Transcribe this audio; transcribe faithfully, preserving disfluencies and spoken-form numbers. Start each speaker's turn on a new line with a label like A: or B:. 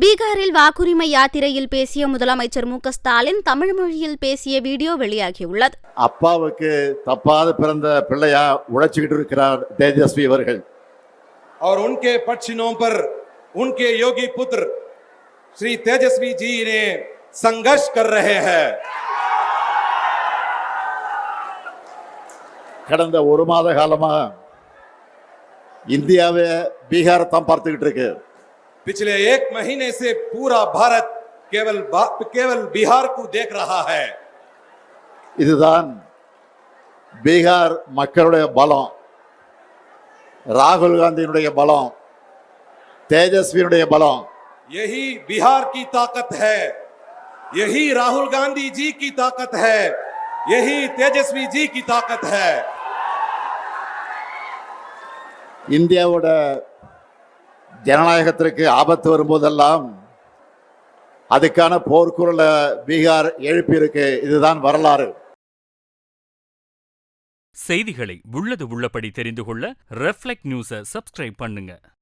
A: பீகாரில் வாக்குரிமை யாத்திரையில் பேசிய முதலமைச்சர் மு க ஸ்டாலின் தமிழ் மொழியில் பேசிய வீடியோ வெளியாகியுள்ளது.
B: அப்பாவுக்கு தப்பாத பிறந்த பிள்ளையா உழைச்சிக்கிட்டு இருக்கிறார் தேஜஸ்வி அவர்கள்.
C: और उनके पक्षिणों पर उनके योगी पुत्र श्री तेजस्वी जी ने संघर्ष कर रहे हैं.
B: கடந்த ஒரு மாத காலமா இந்தியாவே பீகார் தான் பார்த்துக்கிட்டு இருக்கு.
C: पिछले एक महीने से पूरा भारत केवल केवल बिहार को देख रहा है.
B: இதுதான் பீகார் மக்களுடைய பலம், ராகுல் காந்தியினுடைய பலம், தேஜஸ்வியினுடைய பலம்.
C: यही बिहार की ताकत है, यही राहुल गांधी जी की ताकत है, यही तेजस्वी जी की ताकत है.
B: இந்தியாவோட ஜனநாயகத்திற்கு ஆபத்து வரும்போதெல்லாம் அதுக்கான போர்க்குரலை பீகார் எழுப்பியிருக்கு. இதுதான் வரலாறு.
D: செய்திகளை உள்ளது உள்ளபடி தெரிந்து கொள்ள ரெஃப்ளெக்ட் நியூஸை சப்ஸ்கிரைப் பண்ணுங்க.